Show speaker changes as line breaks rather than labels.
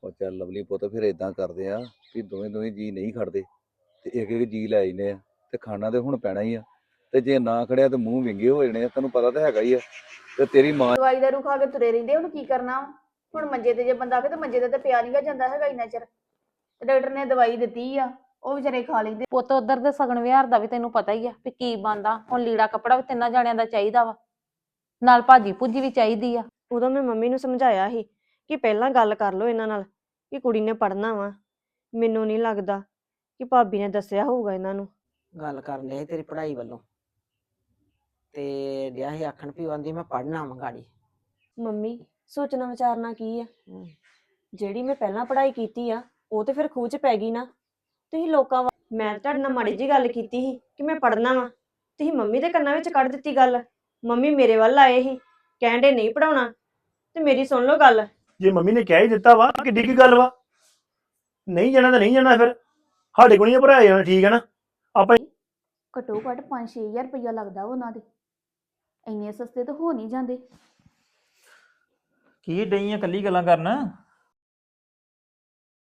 ਉਹ ਚੱਲ ਲਵਲੀ ਪੁੱਤ ਫਿਰ ਇਦਾਂ ਕਰਦੇ ਆ ਕਿ ਦੋਵੇਂ ਦੋਵੇਂ ਜੀ ਨਹੀਂ ਖੜਦੇ ਤੇ ਇੱਕ ਇੱਕ ਜੀ ਲੈ ਆਈਨੇ ਆ ਤੇ ਖਾਣਾ ਤੇ ਹੁਣ ਪੈਣਾ ਹੀ ਆ ਤੇ ਜੇ ਨਾ ਖੜਿਆ ਤੇ ਮੂੰਹ ਵਿੰਗੇ ਹੋ ਜਾਣੇ ਆ ਤੈਨੂੰ ਪਤਾ ਤਾਂ ਹੈਗਾ ਹੀ ਆ ਤੇ ਤੇਰੀ ਮਾਂ
ਦਵਾਈ ਦਾ ਰੁਖਾ ਕੇ ਤੁਰੇ ਰਹਿੰਦੇ ਹੁਣ ਕੀ ਕਰਨਾ ਹੁਣ ਮੰਜੇ ਤੇ ਜੇ ਬੰਦਾ ਆਵੇ ਤੇ ਮੰਜੇ ਤੇ ਪਿਆ ਨਹੀਂ ਗਾ ਜਾਂਦਾ ਹੈਗਾ ਇੰਨਾ ਚਿਰ ਤੇ ਡਾਕਟਰ ਨੇ ਦਵਾਈ ਦਿੱਤੀ ਆ ਉਹ ਵਿਚਾਰੇ ਖਾ ਲੈਂਦੇ।
ਪੁੱਤ ਉਧਰ ਦੇ ਸਗਨ ਵਿਹਾਰ ਦਾ ਵੀ ਤੈਨੂੰ ਪਤਾ ਹੀ ਆ ਵੀ ਕੀ ਬਣਦਾ ਹੁਣ ਲੀੜਾ ਕੱਪੜਾ ਵੀ ਤਿੰਨਾਂ ਜਾਣਿਆਂ ਦਾ ਚਾਹੀਦਾ ਵਾ ਨਾਲ ਭਾਜੀ ਭੁੱਜੀ ਵੀ ਚਾਹੀਦੀ ਆ।
ਉਦੋਂ ਮੈਂ ਮੰਮੀ ਨੂੰ ਸਮਝਾਇਆ ਸੀ ਕਿ ਪਹਿਲਾਂ ਗੱਲ ਕਰ ਲਓ ਇਹਨਾਂ ਨਾਲ ਕਿ ਕੁੜੀ ਨੇ ਪੜ੍ਹਨਾ ਵਾ। ਮੈਨੂੰ ਨਹੀਂ ਲੱਗਦਾ ਕਿ ਭਾਬੀ ਨੇ ਦੱਸਿਆ ਹੋਊਗਾ ਇਹਨਾਂ ਨੂੰ।
ਗੱਲ ਕਰਨ ਡਿਆ ਸੀ ਤੇਰੀ ਪੜ੍ਹਾਈ ਵੱਲੋਂ ਤੇ ਡਿਆ ਸੀ ਆਖਣ ਵੀ ਉਹ ਆਂਦੀ ਮੈਂ ਪੜ੍ਹਨਾ ਵਾ ਗਾੜੀ।
ਮੰਮੀ ਸੋਚਣਾ ਵਿਚਾਰਨਾ ਕੀ ਆ, ਜਿਹੜੀ ਮੈਂ ਪਹਿਲਾਂ ਪੜ੍ਹਾਈ ਕੀਤੀ ਆ ਉਹ ਤੇ ਫਿਰ ਖੂਹ 'ਚ ਪੈ ਗਈ ਨਾ। ਤੁਸੀਂ ਲੋਕਾਂ ਮੈਂ ਤੁਹਾਡੇ ਨਾਲ ਮਾੜੀ ਜੀ ਗੱਲ ਕੀਤੀ ਸੀ ਕਿ ਮੈਂ ਪੜ੍ਹਨਾ ਵਾ, ਤੁਸੀਂ ਮੰਮੀ ਦੇ ਕੰਨਾਂ ਵਿੱਚ ਕੱਢ ਦਿੱਤੀ ਗੱਲ। ਮੰਮੀ ਮੇਰੇ ਵੱਲ ਆਏ ਸੀ ਕਹਿਣ ਦੇ ਨਹੀਂ ਪੜਾਉਣਾ ਤੇ ਮੇਰੀ ਸੁਣ ਲਓ ਗੱਲ।
ਜੇ ਮੰਮੀ ਨੇ ਕਹਿ ਹੀ ਦਿੱਤਾ ਵਾ ਕਿੱਡੀ ਕੀ ਗੱਲ ਵਾ, ਨਹੀਂ ਜਾਣਾ ਤਾਂ ਨਹੀਂ ਜਾਣਾ, ਫਿਰ ਸਾਡੇ ਕੋਲ ਨਹੀਂ ਭਰਾਇਆ ਜਾਣਾ, ਠੀਕ ਹੈ ਨਾ। ਆਪਾਂ
ਘੱਟੋ ਘੱਟ 5-6000 ਰੁਪਇਆ ਲੱਗਦਾ ਉਹਨਾਂ ਦੇ, ਇੰਨੇ ਸਸਤੇ ਤਾਂ ਹੋ ਨਹੀਂ ਜਾਂਦੇ।
ਕੀ ਡਈਆਂ ਕੱਲੀ ਗੱਲਾਂ ਕਰਨ?